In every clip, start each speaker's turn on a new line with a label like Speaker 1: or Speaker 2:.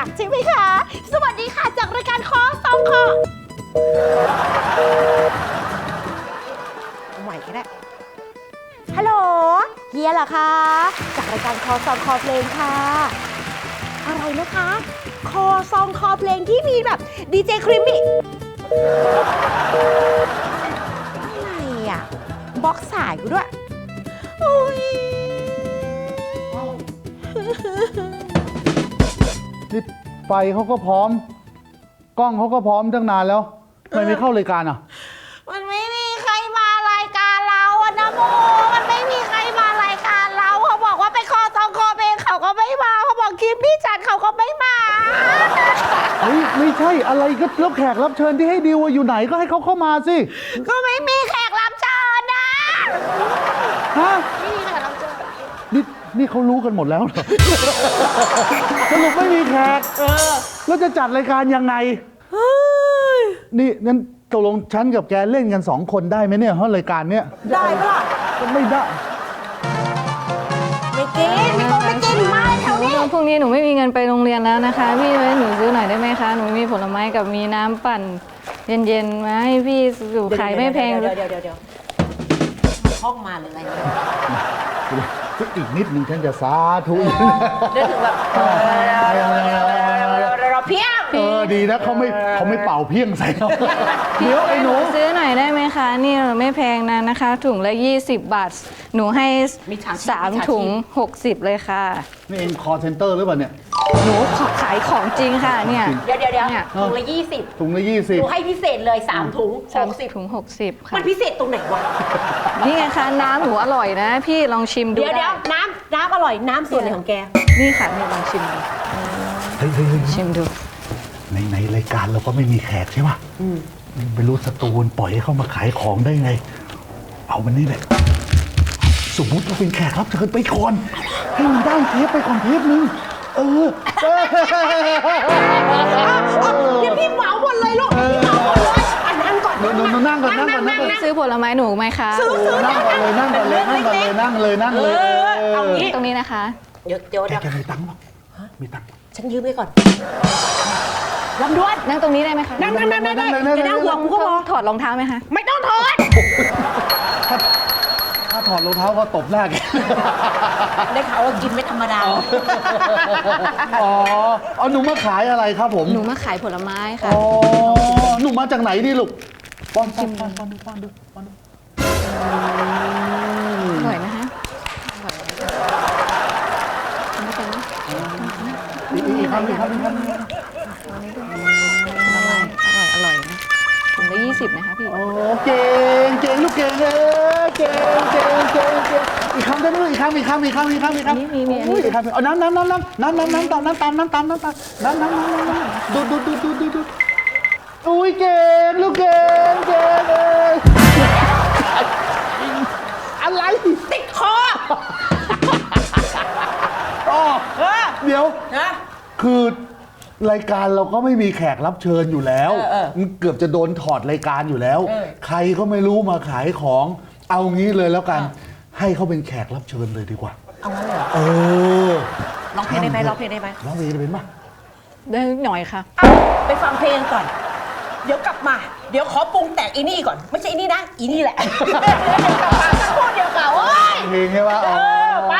Speaker 1: ใช่ไหมคะสวัสดีค่ะจากรายการคอสองคอใหม่ก็ได้ฮัลโหลเฮียเหรอคะจากรายการคอสองคอเพลงค่ะอะไรนะคะคอซองคอเพลงที่มีแบบดีเจครีมมี่อะไรอ่ะบล็อกสายกูด้วยโอ้ย
Speaker 2: นี่ไฟเขาก็พร้อมกล้องเขาก็พร้อมตั้งนานแล้วทำไมไม่เข้ารายการอ่ะ
Speaker 1: มันไม่มีใครมารายการเราอะนะโมมันไม่มีใครมารายการเราเขาบอกว่าไปคอซองคอเพลงเขาก็ไม่มาเขาบอกคลิปพี่จัดเขาก็ไม่มา
Speaker 2: เฮ้ยไม่ใช่อะไรก็แล้วแขกรับเชิญที่ให้ดิวอยู่ไหนก็ให้เขาเข้ามาสิ
Speaker 1: ก็ไม่มีแขกรับเชิญนะ
Speaker 2: ฮะ
Speaker 1: ไม่มีแขกรับเชิญ
Speaker 2: นี่เขารู้กันหมดแล้วเหรอ สรุปไม่มีแขกแล้วจะจัดรายการยังไงนี่งั้นตกลงฉันกับแกเล่นกัน2 คนได้ไหมเนี่ยเพราะรายการเนี้ย
Speaker 1: ได้ปะล่ะ
Speaker 2: ก็ไม่ได้
Speaker 1: ไม่กินไม่กินมาแถวนี้
Speaker 3: พรุ่งนี้หนูไม่มีเงินไปโรงเรียนแล้วนะคะพี่ไว้หนูซื้อหน่อยได้ไหมคะหนูมีผลไม้กับมีน้ำปั่นเย็นๆมาให้พี่อยู่ขายไม่แพง
Speaker 1: เดี๋ยวห้องมาหรืออะไรเนี่ย
Speaker 2: อีกนิดนึงฉันจะสาธุ
Speaker 1: เดี๋ยวถึงแบบเราเพี้ยง
Speaker 2: ดีนะเขาไม่เป่าเพี้ยงใส่เราเดี๋ยวไอ้หนู
Speaker 3: ซื้อหน่อยได้ไหมคะนี่ไม่แพงนะนะคะ ถุงละ20 บาท หนูให้3 ถุง 60 เลยค่ะ
Speaker 2: นี่เองคอเซ็นเตอร์หรือเปล่าเนี่ย
Speaker 3: หนูขายของจริงค่ะเนี่ย
Speaker 1: เดี๋ยว
Speaker 3: เนี่ย
Speaker 1: ถุงละ20
Speaker 2: ถุงละ
Speaker 1: หนูให้พิเศษเลย3 ถุง
Speaker 3: 3 ถุง 60 ค่ะ
Speaker 1: มันพิเศษตรงไหนวะ
Speaker 3: นี่ไงคะน้ำหนูอร่อยนะ พี่ลองชิมดู
Speaker 1: เดี๋ยว
Speaker 3: ได้
Speaker 1: น้ำอร่อยน้ำส่วนไหนของแก
Speaker 3: นี่ค่ะนี่ลองชิมดู
Speaker 2: เฮ้ย
Speaker 3: ชิมดู
Speaker 2: ในรายการเราก็ไม่มีแขกใช่ป่ะไม่รู้สตูนปล่อยให้เข้ามาขายของได้ไง เอาวันนี้แหละสมมติเราเป็นแขกรับเชิญไปก่อนให้มันได้เทปไปก่อนเทปนึง
Speaker 1: เดี๋ยวพี่เหมาหมดเลยลูกพี่เหมาหมดเลยอันนั้นก่อน
Speaker 2: นั่งก่อน
Speaker 3: ซื้อผลไม้หนูไหมคะ
Speaker 2: นั่งก่อนเลยนั่งเลย
Speaker 1: เอางี้
Speaker 3: ตรงนี้นะคะ
Speaker 1: เดี๋ยว
Speaker 2: แกมีตังค์ป่ะมีตังค์
Speaker 1: ฉันยืมไปก่อนลำดวน
Speaker 3: นั่งตรงนี้ได้ไหมคะ
Speaker 1: นั่งจะนั่งห่วงกูก็พอ
Speaker 3: ถอดรองเท้าไหมคะ
Speaker 1: ไม่ต้องถอด
Speaker 2: ถ้าถอดรองเท้าก็ตบหน้าแก
Speaker 1: ได้ข่าวว่ากินไม่ธรรมดา
Speaker 2: เอาหนูมาขายอะไรครับผม
Speaker 3: หนูมาขายผลไม้ค่ะ
Speaker 2: หนูมาจากไหนนี่ลูกป้อนดู
Speaker 3: อร่อยนะคะอร่อยไม่เป็นไร
Speaker 2: อีกคำ
Speaker 3: อร่อยนะถุงละ20นะคะพี่
Speaker 2: โอ้เก่งลูกเก่งเก่งอีกคำได้ไหมอีกคำอีกคำเอาน้ำตามดูอุ้ยเก่งลูกเก่งอะไร
Speaker 1: ติดคอ
Speaker 2: เดี๋ยว
Speaker 1: นะ
Speaker 2: คือรายการเราก็ไม่มีแขกรับเชิญอยู่แล้วมันเกือบจะโดนถอดรายการอยู่แล้ว ใครก็ไม่รู้มาขายของเอางี้เลยแล้วกัน ให้เขาเป็นแขกรับเชิญเลยดีกว่า
Speaker 1: เอางั้นเลยเหรอ ร้องเพลงได้ไหมร้องเพลงได้ไหม
Speaker 2: ร้องเพลงได้เป็นป่ะ
Speaker 3: ได้หน่อยค่ะ
Speaker 1: ไปฟังเพลงก่อน เดี๋ยวกลับมา เดี๋ยวขอปรุงแต่งอีนี่ก่อน ไม่ใช่อีนี่นะ อีนี่แหละ กลับมาสักครู่เดียวก่อนโอ้ย
Speaker 2: เพลงใช่ป่ะ
Speaker 1: ไป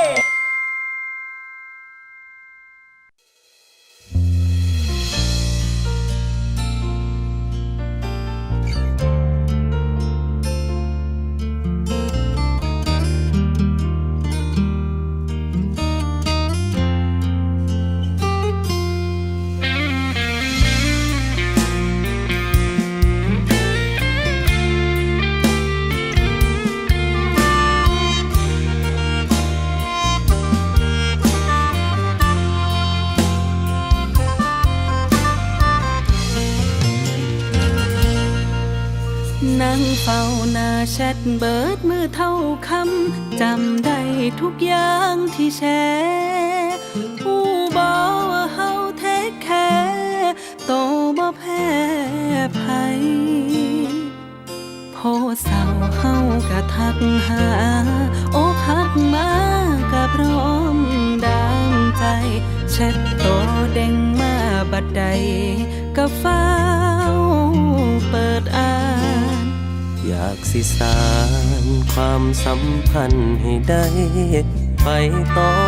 Speaker 4: นั่งเฝ้าหน้าแชทเบิดมือเท่าคำจำได้ทุกอย่างที่แชร์ผู้บอกว่าเฮาเทคแคร์โตบ่แพ้ภัยโพเศร้าเฮากะทักหาอกหักมากะพร้อมดังใจแชทโตเด้งมาบัดใดก็ฟ้าวเปิดอ่านอยากสิสานความสัมพันธ์ให้ได้ไปต่อ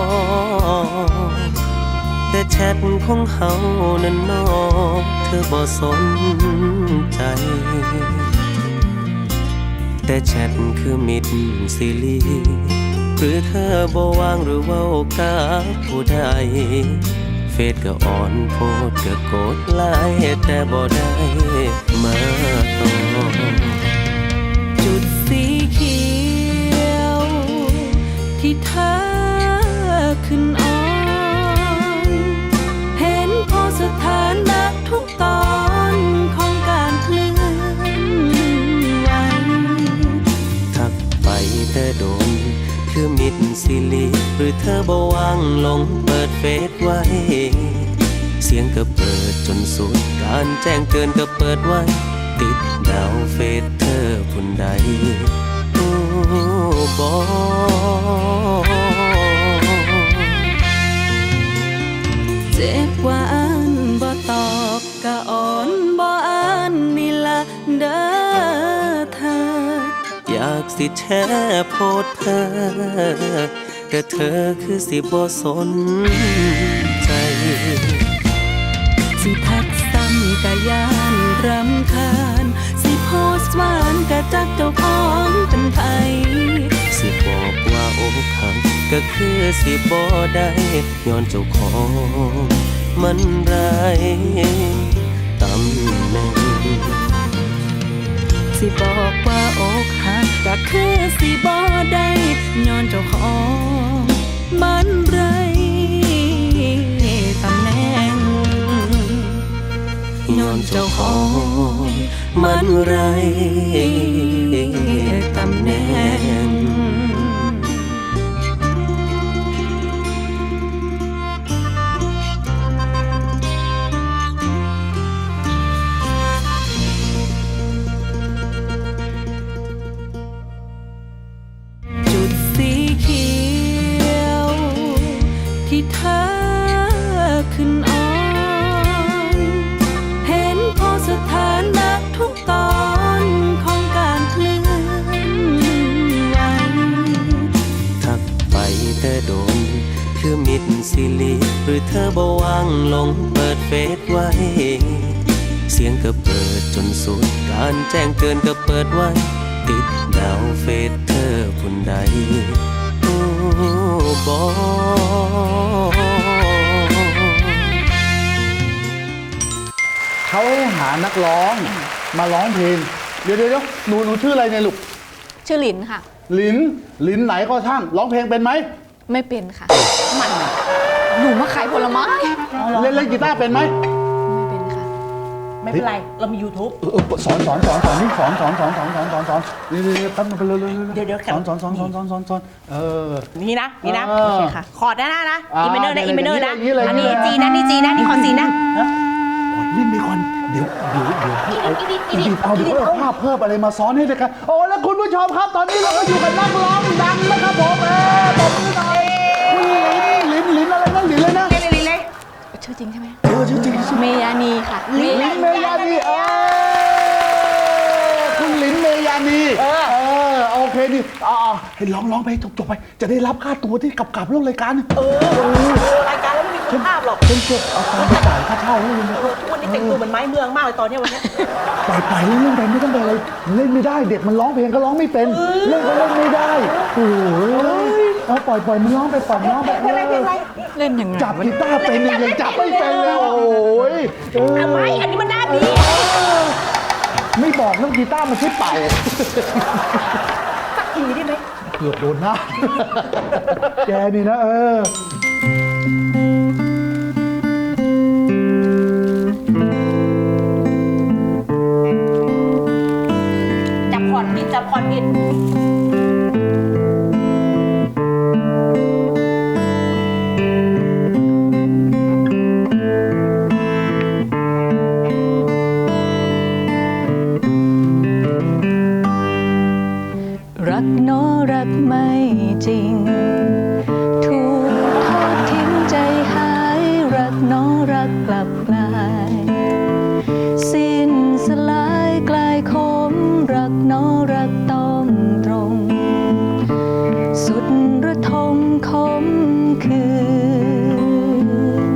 Speaker 4: แต่แชทของเฮานั้นนอกเธอบ่สนใจแต่แชทคือมิตรสิลีหรือเธอบ่วางหรือเว้ากับผู้ใดเฟซก็อ่อนโพดก็กดไลค์แต่บ่ได้มาต่อจุดสีเขียวที่เธอขึ้นอ่อนเห็นพอสถานะทุกตอนของการเคลื่อนไหวทักไปแต่โดนคือมิดสิลีหรือเธอบ่วางลงเปิดเฟซไว้เสียงก็เปิดจนสุดการแจ้งเตือนก็เปิดไว้ติดดาวเฟซเธอผู้ใดบ่เจ็บว่าอ่านบ่ตอบก็อ่อนบ่อ่านนี่ละเด้อเธออยากสิแชร์โพสต์เธอก็เธอคือสิบ่สนใจสิทักซ้ำกะยานรำคาญสิโพสต์หวานกะจักเจ้าของเป็นไผสิบอกว่าอกหักก็คือสิบ่ได้ย้อนเจ้าของมันไรตำแหน่งสิบอกว่าอกหักก็คือสิบ่ได้ย้อนเจ้าของมันไรตำแหน่งย้อนเจ้าของมันไรตำแหน่งจุดสีเขียวที่เธอขึ้นอ่อนเห็นพอสถานะทุกตอนของการเคลื่อนไหวทักไปแต่โดนคือมิดสิลีหรือเธอบ่วางลงเปิดเฟซไว้เสียงก็เปิดจนสุดการแจ้งเตือนก็เปิดไว้ติดดาวเฟซเธอผู้ใดบ่
Speaker 2: เขาหานักร้องมาร้องเพลงเดี๋ยวหนูชื่ออะไรเนี่ยลูก
Speaker 3: ชื่อหลินค่ะ
Speaker 2: หลินไหนก็ช่างร้องเพลงเป็นไหม
Speaker 3: ไม่เป็นค่ะมันหนูมาขายผลไม้
Speaker 2: เล่นกีตาร์เป็นไหม
Speaker 3: ไม่เป็นค่ะ
Speaker 1: ไม่เป็นไร เรามี YouTube
Speaker 2: สอนนี่สอนนี่แป๊บนึงไปเลยเดี๋ยวสอน
Speaker 1: นี่นะ
Speaker 2: โอเคค่ะ
Speaker 1: คอร์ดนะอีเมเนอร์นะ
Speaker 2: อย่างนี้เลย
Speaker 1: อันนี้จีนะนี่จีนะนี่คอร์ดซีนะ
Speaker 2: เล่นไปก่อนเดี๋ยวเอาภาพเพิ่มอะไรมาซ้อนให้เลยครับโอ้แล้วคุณผู้ชมครับตอนนี้เราก็อยู่กับนักร้องดังนะครับผมตบมือหน่อยคุณลินอะไรนะลินเลยนะ
Speaker 1: ลินเลย
Speaker 3: ชื่อจริงใช่ไหม
Speaker 2: จริง
Speaker 3: เมยานีค่ะ
Speaker 2: ลินเมยานีคุณลินเมยานีโอเคนี่ให้ร้องไปจบไปจะได้รับค่าตัวที่กลับเรื่องรายการ
Speaker 1: รายการแล้วไม่มีคุณภาพหรอก
Speaker 2: เก็บเอาตังค์ไปจ่ายค่าเช่าให้เลย
Speaker 1: ทุกวันนี้แต่งตัวเหมือนไม้เมืองมากเลยตอนนี้วันนี้
Speaker 2: ปล่อยเล่นไปไม่ต้องไปอะไรเล่นไม่ได้เด็กมันร้องเพลงก็ร้องไม่เป็นเล่นก็เล่นไม่ได้โอ้ยเอาปล่อยมันร้องไปปล่อยร้องไป
Speaker 3: เล่นยังไง
Speaker 2: จับกีตาร์เป็นยังจับไม่เป็นเลยโอ้ย
Speaker 1: ทำไมอันนี้มันน่าดี
Speaker 2: ไม่บอกเรื่องกีตาร์มันใช่ไป
Speaker 1: สักทีได้ไหม
Speaker 2: เกือบโดนหน้าแกนี่นะ
Speaker 1: จับคอร์ดผิด
Speaker 4: รักโนรักไม่จริงถูกทกกลับกลายสิ้นสลายกลายคมรักน้อรักต้องตรงสุดระทมคมคืน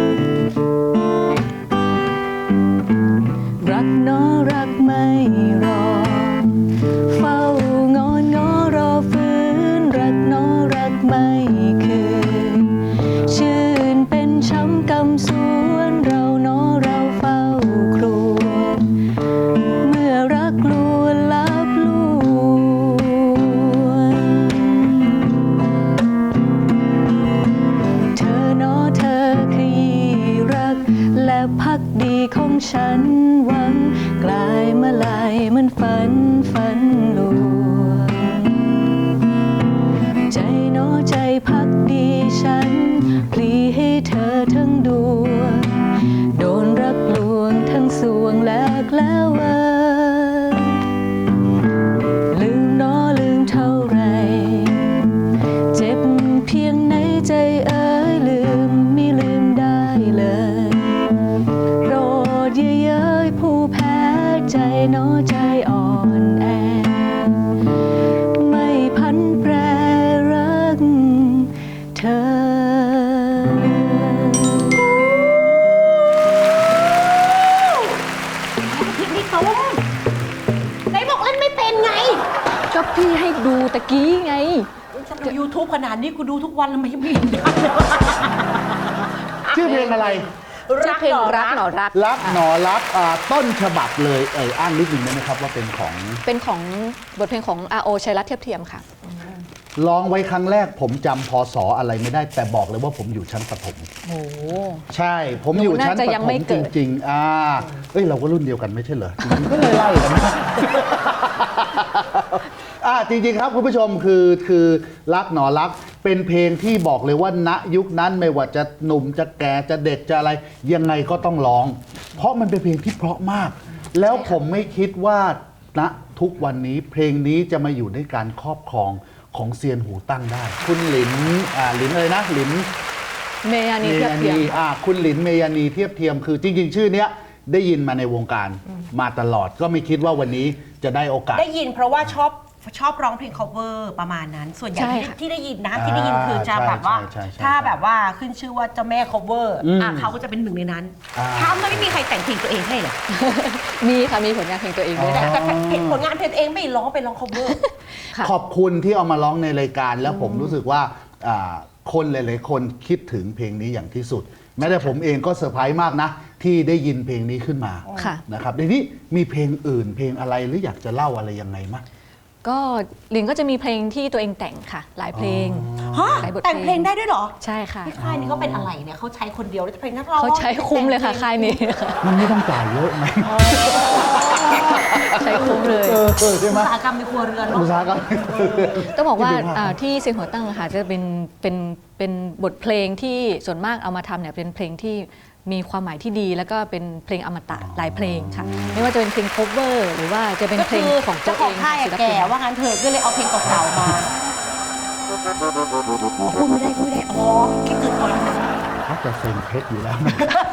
Speaker 4: รักน้อรักไม่รอเฝ้างอนง้อรอฟื้นรักน้อรักไม่คืนชื่นเป็นช้ำกำสวนเราน้อเราเฝ้าครวญเมื่อรักลวนลับลวงเธอน้อเธอขยี้รักและพักดีของฉันหวังกลายมาลายมันฝันลวงใจน้อใจพักดีฉันพลีให้เธอทั้งดวงโดนรักลวงทั้งสวงแลกแล้วลืมน้อลืมเท่าไรเจ็บเพียงไหนใจเอ๋ยลืมไม่ลืมได้เลยโปรดอย่าเย้ยผู้แพ้ใจน้อใจอ่อนแอไม่พันแปรรักเธอ
Speaker 1: พี่ตุ้มไหนบอกเล่นไม่เป็นไง
Speaker 3: ก็พี่ให้ดูตะกี้ไง
Speaker 1: ฉันดู YouTube ขนาดนี้กูดูทุกวันแล้วไม่ได้
Speaker 2: ชื่อเพลงอะไร
Speaker 3: ชื่อเพลงรักหนอรัก
Speaker 2: รักหนอรักต้นฉบับเลยอ้างนิดหนึ่งได้ไหมครับว่าเป็นของ
Speaker 3: เป็นของบทเพลงของ R.O. ชัยรัตน์เทียบเทียมค่ะ
Speaker 2: ร้องไว้ครั้งแรกผมจำพศอะไรไม่ได้แต่บอกเลยว่าผมอยู่ชั้นประถม
Speaker 3: โอ้โห
Speaker 2: ใช่ผมอยู่ชั้น
Speaker 3: หนูน่าจะ
Speaker 2: ประ
Speaker 3: ยัง
Speaker 2: ถ
Speaker 3: ไม่
Speaker 2: ม
Speaker 3: เกิ
Speaker 2: จ
Speaker 3: ด
Speaker 2: ริงๆเราก็รุ่นเดียวกันไม่ใช่เหรอจริงๆก็เลยไล่กันนะ จริงๆครับคุณผู้ชมคือรักหนอรักเป็นเพลงที่บอกเลยว่าณยุคนั้นไม่ว่าจะหนุ่มจะแก่จะเด็กจะอะไรยังไงก็ต้องร้อง เพราะมันเป็นเพลงที่เพราะมาก แล้วผมไม่คิดว่าณทุกวันนี้เพลงนี้จะมาอยู่ในการครอบครองของเซียนหูตั้งได้ คุณหลินอะไรนะหลิน
Speaker 3: เมยานีเทียบเทียม
Speaker 2: คุณหลินเมยานีเทียบเทียมคือจริงๆ ชื่อเนี้ยได้ยินมาในวงการมาตลอดก็ไม่คิดว่าวันนี้จะได้โอกาส
Speaker 1: ได้ยินเพราะว่าชอบร้องเพลง cover ประมาณนั้น ส่วนใหญ่
Speaker 3: ใช่ค่ะ
Speaker 1: ที่ได้ยินนะที่ได้ยินคือจะแบบว่า
Speaker 2: ใช่
Speaker 1: ถ้าแบบว่าขึ้นชื่อว่าเจ้าแม่ cover เขาก็จะเป็นหนึ่งในนั้นถ้าไม่มีใครแต่งเพลงตัวเองให้เลย
Speaker 3: มีค่ะมีผลงานเพลงตัวเองด้วย
Speaker 1: แต่ผลงานเพลงตัวเองไม่ร้องไปร้อง cover
Speaker 3: ค่ะ
Speaker 2: ขอบคุณที่เอามาร้องในรายการแล้วผมรู้สึกว่าคนหลายๆคนคิดถึงเพลงนี้อย่างที่สุด แม้แต่ผมเองก็เซอร์ไพรส์มากนะ ที่ได้ยินเพลงนี้ขึ้นมา
Speaker 3: ค่ะ
Speaker 2: นะครับในนี้มีเพลงอื่นเพลงอะไรหรืออยากจะเล่าอะไรยังไงมั้ย
Speaker 3: ก็ลินก็จะมีเพลงที่ตัวเองแต่งค่ะ หลายเพลง
Speaker 1: ฮะ
Speaker 3: หลายบท
Speaker 1: แต่งเพลงได้ด้วยเหรอ
Speaker 3: ใช่ค่ะ
Speaker 1: ที่ค่ายนี้เขาเป็นอะไรเนี่ยเขาใช้คนเดียวแล้วจะเพลงนักร้อง
Speaker 3: เขาใช้คุ้มเลยค่ะค่ายนี้ค่ะ
Speaker 2: มันไม่ต้องจ่ายเยอะไหม
Speaker 3: ใช้คุ้มเลย
Speaker 2: ใช่ไหม
Speaker 1: อุตสาหกรรมในครัวเรือนเนาะ
Speaker 2: อุตสาหกรรม
Speaker 3: ต้องบอกว่า
Speaker 2: ที่เป็นภาพ
Speaker 3: ที่เสียงหัวตั้งค่ะจะเป็นบทเพลงที่ส่วนมากเอามาทำเนี่ยเป็นเพลงที่มีความหมายที่ดีแล้วก็เป็นเพลงอมตะหลายเพลงค่ะ ไม่ว่าจะเป็นเพลง cover หรือว่าจะเป็น
Speaker 1: ก็
Speaker 3: เพล
Speaker 1: คื
Speaker 3: ง
Speaker 1: อ
Speaker 3: ของตั
Speaker 1: เจ้าว ข
Speaker 3: เอ
Speaker 1: อง
Speaker 3: ง
Speaker 1: ค่าย
Speaker 3: ศิล
Speaker 1: แก่
Speaker 3: ปิน
Speaker 1: ว่างั้นเถอะก็เลยเอาเพลงเก่าๆมาพูดไม่ได้อ๋อคิดถึงก่อน
Speaker 2: เขาจะเซ็นเพชรอยู่แล้วนะ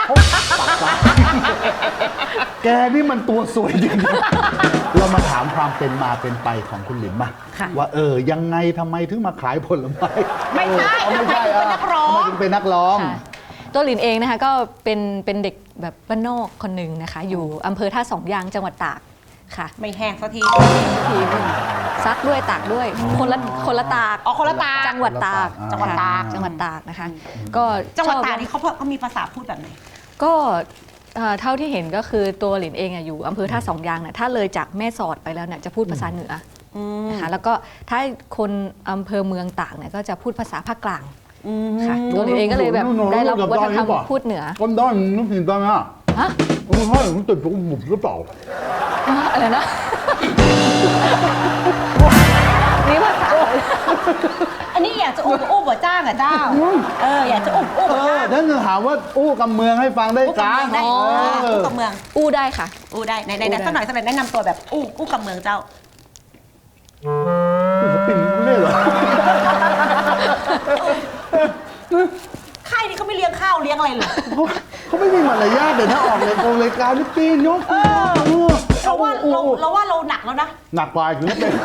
Speaker 2: แกนี่มันตัวสวยจริงๆเรามาถามความเป็นมาเป็นไปของคุณหลินมา
Speaker 3: ค่ะ
Speaker 2: ว่ายังไงทำไมถึงมาขายผลไม้
Speaker 1: ไม่ใช่
Speaker 2: ไม่ใช่
Speaker 1: ทำไมถึงเป็นนักร้อง
Speaker 2: ทำไมถึงเป็นนักร้อง
Speaker 3: ค่ะตัวหลินเองนะคะก็เป็นเด็กแบบบ้านนอกคนหนึ่งนะคะ อยู่อำเภอท่าสองยางจังหวัดตากค่ะ
Speaker 1: ไม่แห้งสักที
Speaker 3: ทีซักด้วยตากด้วยคนละตาก
Speaker 1: อ๋อคนละตาก
Speaker 3: จังหวัดตาก
Speaker 2: จังหวัดตาก
Speaker 3: ค่ะจังหวัดตากนะคะ ก็
Speaker 1: จังหวัด
Speaker 3: ชอบ
Speaker 1: ตากนี่เขามีภาษาพูดแบบไหน
Speaker 3: ก็เท่าที่เห็นก็คือตัวหลินเองอยู่อำเภอท่าสองยางเนี่ยถ้าเลยจากแม่สอดไปแล้วเนี่ยจะพูดภาษาเหนืออนะคะแล้วก็ถ้าคนอำเภอเมืองตากเนี่ยก็จะพูดภาษาภาคกลางค่ะตัวหลินเองก็เลยแบบได้รับวัฒนธรรมพูดเหนือ
Speaker 2: คนด้านนึกถึงตอนนั้น
Speaker 3: ฮะ
Speaker 2: คุณพ่อผมติดผมหมุบหรือเปล่า
Speaker 3: อะไรนะ นี่ภาษา
Speaker 1: อันนี้อยากจะอุ้มบ่จ้างอ่ะเจ้าอยากจะอุ้มบ่จ้าง
Speaker 2: นั่นจะถามว่าอู้กำเมืองให้ฟังได้
Speaker 1: อู้กับ
Speaker 2: กา
Speaker 1: เมื
Speaker 2: ร
Speaker 1: องได้อู้กับเมือง
Speaker 3: อู้ได้ค่ะ
Speaker 1: อู้ได้ไหนสักหน่อยแนะนำตัวแบบอู้กับเมืองเจ้า
Speaker 2: ศิลปินไม่ได้เหรอ
Speaker 1: ค่ายนี้เขาไม่เลี้ยงข้าวาวเลี้ยงอะไรเลย
Speaker 2: เขาไม่มีมารยาทเดี๋ยวถ้าออกรายการนี่ปีนยก
Speaker 1: เราว่าเราหนักแล้วนะ
Speaker 2: หนักกว่าอยู่นิดนึง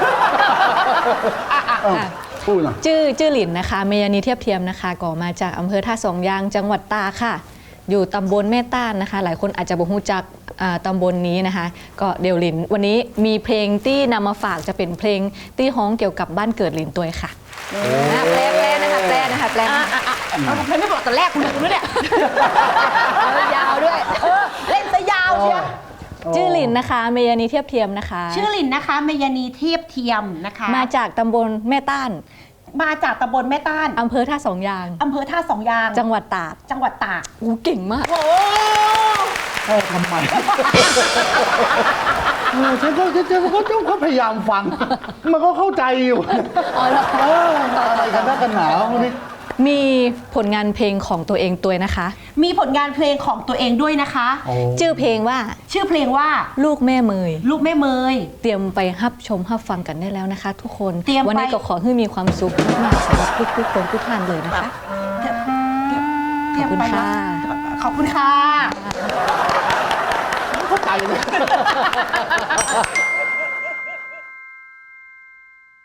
Speaker 2: พูดหน่อย
Speaker 3: ชื่อหลินนะคะเมยานีเทียบเทียมนะคะก่อมาจากอำเภอท่าสองยางจังหวัดตากค่ะ อยู่ตำบลแม่ต้านนะคะ หลายคนอาจจะบ่รู้จักตำบลนี้นะคะ ก็เดี๋ยวหลินวันนี้มีเพลงที่นำมาฝากจะเป็นเพลงที่ฮ้องเกี่ยวกับบ้านเกิดหลินตัวค่ะแปลนะคะแปลนะคะแปล
Speaker 1: เราไม่บอกแต่แรกคุณรู้เนี่ย
Speaker 3: ยาวด้วย
Speaker 1: เล่นซะยาวเชียว
Speaker 3: ชื่อหลินนะคะเมยานีเทียบเทียมนะคะ
Speaker 1: ชื่อหลินนะคะเมยานีเทียบเทียมนะคะ
Speaker 3: มาจากตำบลแม่ต้าน
Speaker 1: มาจากตำบลแม่ต้าน
Speaker 3: อำเภอท่าสองยาง
Speaker 1: อำเภอท่าสองยาง
Speaker 3: จังหวัดตาก
Speaker 1: จังหวัดตาก
Speaker 3: อู้เก่งมาก
Speaker 1: โอ้
Speaker 2: ทำไมฉันก็พยายามฟัง มันก็เข้าใจอยู่
Speaker 3: อ๋อเหรอ
Speaker 2: อะไรกันนักกันหนาวนี่
Speaker 3: มีผลงานเพลงของตัวเองตัวนะคะ
Speaker 1: มีผลงานเพลงของตัวเองด้วยนะคะ
Speaker 3: ชื่อเพลงว่า
Speaker 1: ชื่อเพลงว่า
Speaker 3: ลูกแม่เมย
Speaker 1: ลูกแม่เมย
Speaker 3: เตรียมไปรับชมรับฟังกันได้แล้วนะคะ ทุกคน
Speaker 1: เตรียมไป
Speaker 3: วันนี้ก็ขอให้มีความสุขมากๆสำหรับทุกคนทุกท่านเลยนะคะ ขอบคุณค่ะ
Speaker 1: ขอบคุณค่ะ
Speaker 2: เข้าใจเลย